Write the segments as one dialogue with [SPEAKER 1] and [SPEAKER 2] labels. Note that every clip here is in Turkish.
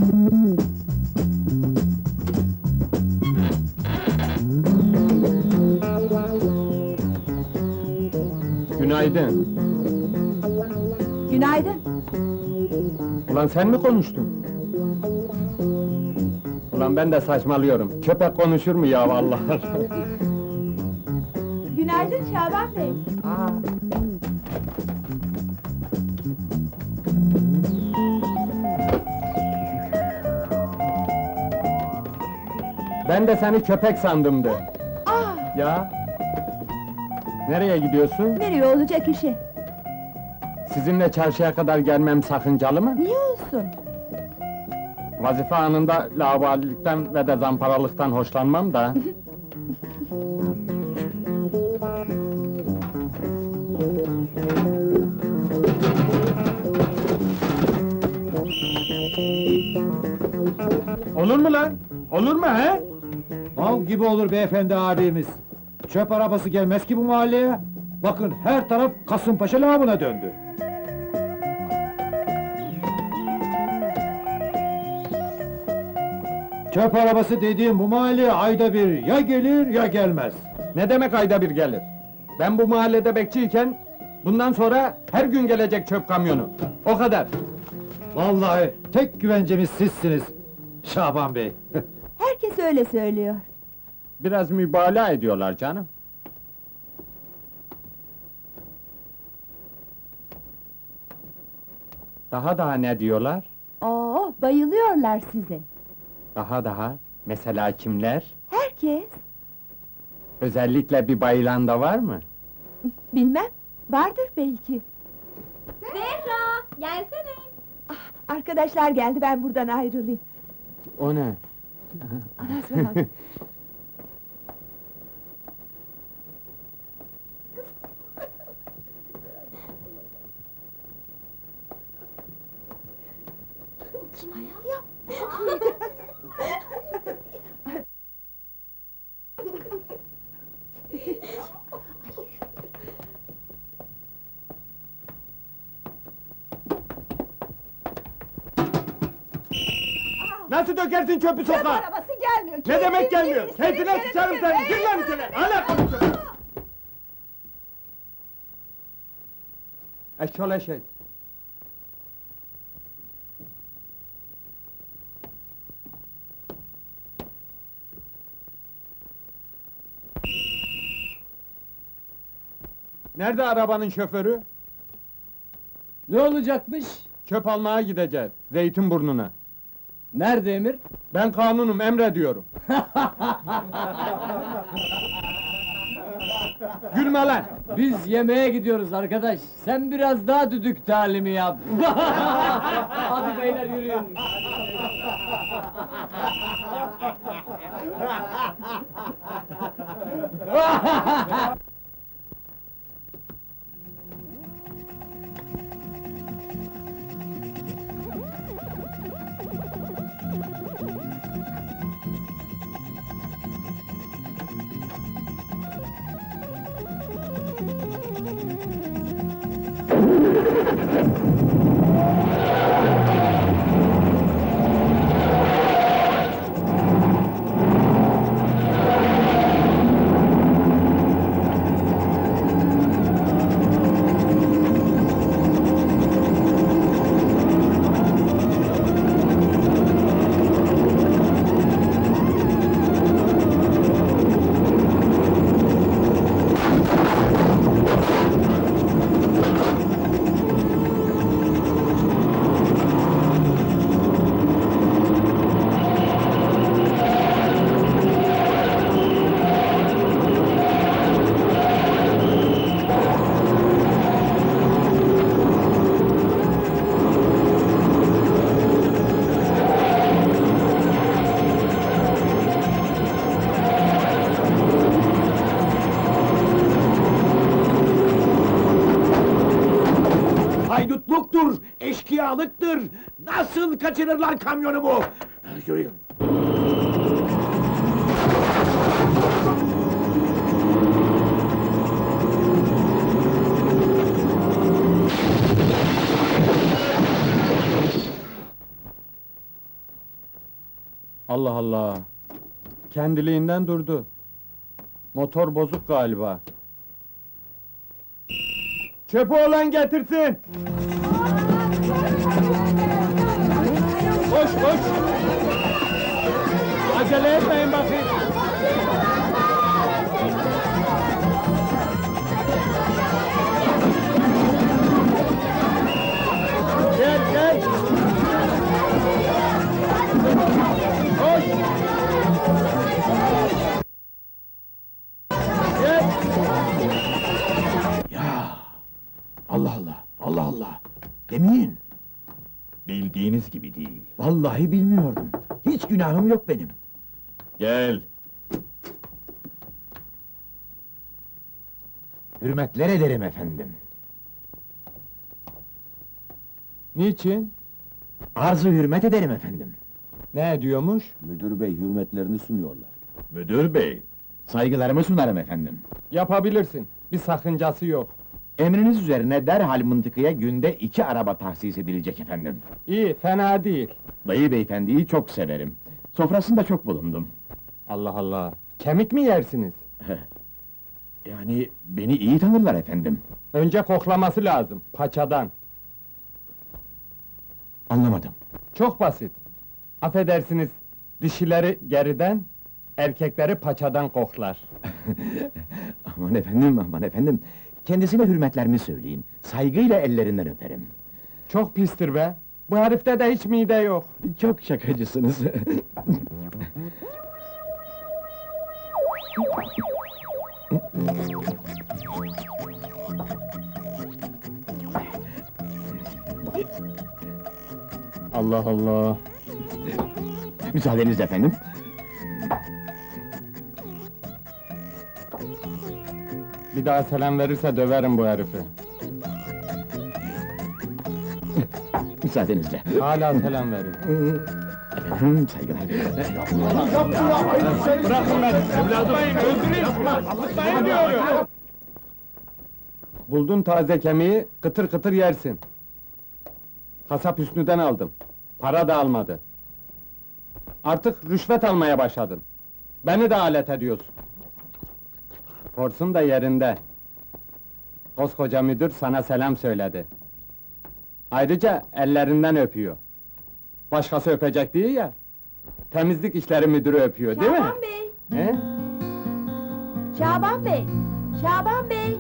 [SPEAKER 1] Günaydın.
[SPEAKER 2] Günaydın.
[SPEAKER 1] Ulan sen mi konuştun? Ulan ben de saçmalıyorum. Köpek konuşur mu ya vallahi?
[SPEAKER 2] Günaydın Şaban Bey.
[SPEAKER 1] Ben de seni köpek sandımdı.
[SPEAKER 2] Ah,
[SPEAKER 1] Ya? Nereye gidiyorsun?
[SPEAKER 2] nereye olacak işi?
[SPEAKER 1] Sizinle çarşıya kadar gelmem sakıncalı mı?
[SPEAKER 2] Niye olsun?
[SPEAKER 1] Vazife anında laubalilikten ve de zamparalıktan hoşlanmam da. Olur mu lan? Olur mu he?
[SPEAKER 3] Mal gibi olur beyefendi abimiz. Çöp arabası gelmez ki bu mahalleye. Bakın her taraf Kasımpaşa lağımına döndü. Çöp arabası dediğim bu mahalleye ayda bir ya gelir ya gelmez.
[SPEAKER 1] Ne demek ayda bir gelir? Ben bu mahallede bekçiyken, bundan sonra her gün gelecek çöp kamyonu. O kadar.
[SPEAKER 3] Vallahi tek güvencemiz sizsiniz Şaban Bey.
[SPEAKER 2] Herkes öyle söylüyor.
[SPEAKER 1] Biraz mübalağa ediyorlar canım. Daha ne diyorlar?
[SPEAKER 2] Oo, bayılıyorlar size.
[SPEAKER 1] Daha, mesela kimler?
[SPEAKER 2] Herkes.
[SPEAKER 1] Özellikle bir bayılan da var mı?
[SPEAKER 2] Bilmem, vardır belki.
[SPEAKER 4] Zehra, gelsene.
[SPEAKER 2] Arkadaşlar geldi, ben buradan ayrılayım.
[SPEAKER 1] O ne?
[SPEAKER 2] Anasını bak.
[SPEAKER 4] Kim ayağı?
[SPEAKER 1] Nasıl dökersin çöpü sokağa?
[SPEAKER 2] Arabası gelmiyor.
[SPEAKER 1] Ne demek gelmiyor? Keyfine sıçarım seni! Gir lan içeri! Hala konuşuyorsun! Eşşol eşek! Nerede arabanın şoförü?
[SPEAKER 5] Ne olacakmış?
[SPEAKER 1] Çöp almaya gideceğiz, Zeytinburnu'na.
[SPEAKER 5] Nerede emir?
[SPEAKER 1] Ben kanunum, emrediyorum. Gülme lan!
[SPEAKER 5] Biz yemeğe gidiyoruz arkadaş. Sen biraz daha düdük talimi yap. Hadi beyler yürüyün.
[SPEAKER 6] Haydutluktur, eşkıyalıktır! Nasıl kaçırırlar kamyonumu? Yürüyün!
[SPEAKER 1] Allah Allah! Kendiliğinden durdu. Motor bozuk galiba. Çöpü olan getirsin! Koş koş! Acele etmeyin bakayım! Gel gel! Koş! Gel!
[SPEAKER 6] Ya! Allah Allah, Allah Allah! Demeyin!
[SPEAKER 7] Bildiğiniz gibi değil.
[SPEAKER 6] Vallahi bilmiyordum. Hiç günahım yok benim.
[SPEAKER 7] Gel.
[SPEAKER 6] Hürmetler ederim efendim.
[SPEAKER 1] Niçin?
[SPEAKER 6] Arzu hürmet ederim efendim.
[SPEAKER 1] Ne ediyormuş?
[SPEAKER 7] Müdür bey hürmetlerini sunuyorlar. Müdür bey.
[SPEAKER 6] Saygılarımı sunarım efendim.
[SPEAKER 1] Yapabilirsin. Bir sakıncası yok.
[SPEAKER 6] Emriniz üzerine derhal mıntıkaya günde 2 araba tahsis edilecek efendim.
[SPEAKER 1] İyi, fena değil.
[SPEAKER 6] Dayı beyefendiyi çok severim. Sofrasında çok bulundum.
[SPEAKER 1] Allah Allah! Kemik mi yersiniz?
[SPEAKER 6] Yani beni iyi tanırlar efendim.
[SPEAKER 1] Önce koklaması lazım, paçadan.
[SPEAKER 6] Anlamadım.
[SPEAKER 1] Çok basit. Affedersiniz, dişileri geriden, erkekleri paçadan koklar.
[SPEAKER 6] Aman efendim, aman efendim. Kendisine hürmetlerimi söyleyin. Saygıyla ellerinden öperim.
[SPEAKER 1] Çok pistir be! Bu herifte de hiç mide yok.
[SPEAKER 6] Çok şakacısınız.
[SPEAKER 1] Allah Allah!
[SPEAKER 6] Müsaadenizle efendim.
[SPEAKER 1] Bir daha selam verirse döverim bu herifi.
[SPEAKER 6] Müsaadenizle.
[SPEAKER 1] Hala selam veriyor.
[SPEAKER 6] Efendim, saygılar.
[SPEAKER 1] Bırakın beni! Evladım! Öldüreyim! Yapmayın diyorum! Buldun taze kemiği, kıtır kıtır yersin. Kasap Hüsnü'den aldım. Para da almadı. Artık rüşvet almaya başladın. Beni de alet ediyorsun. Forsun da yerinde. Koskoca müdür sana selam söyledi. Ayrıca ellerinden öpüyor. Başkası öpecek değil ya. Temizlik işleri müdürü öpüyor, değil mi?
[SPEAKER 2] Şaban Bey!
[SPEAKER 1] He?
[SPEAKER 2] Şaban Bey! Şaban Bey!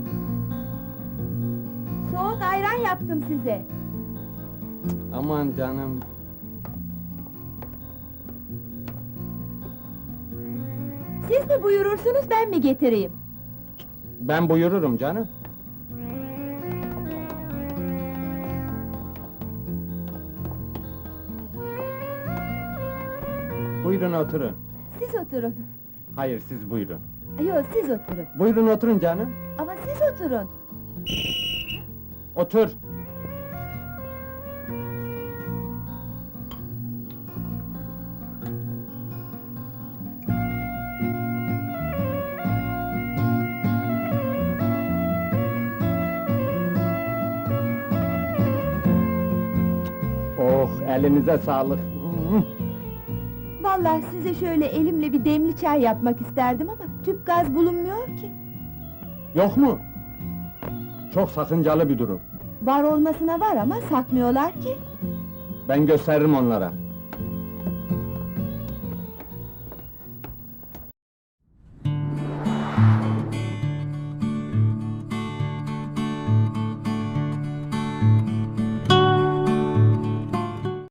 [SPEAKER 2] Soğuk ayran yaptım size.
[SPEAKER 1] Aman canım.
[SPEAKER 2] Siz mi buyurursunuz, ben mi getireyim?
[SPEAKER 1] Ben buyururum canım. Buyurun oturun.
[SPEAKER 2] Siz oturun.
[SPEAKER 1] Hayır, siz buyurun.
[SPEAKER 2] Yok, siz oturun.
[SPEAKER 1] Buyurun oturun canım.
[SPEAKER 2] Ama siz oturun.
[SPEAKER 1] Otur. Oh, elinize sağlık.
[SPEAKER 2] Vallahi size şöyle elimle bir demli çay yapmak isterdim ama tüp gaz bulunmuyor ki.
[SPEAKER 1] Yok mu? Çok sakıncalı bir durum.
[SPEAKER 2] Var olmasına var ama satmıyorlar ki.
[SPEAKER 1] Ben gösteririm onlara.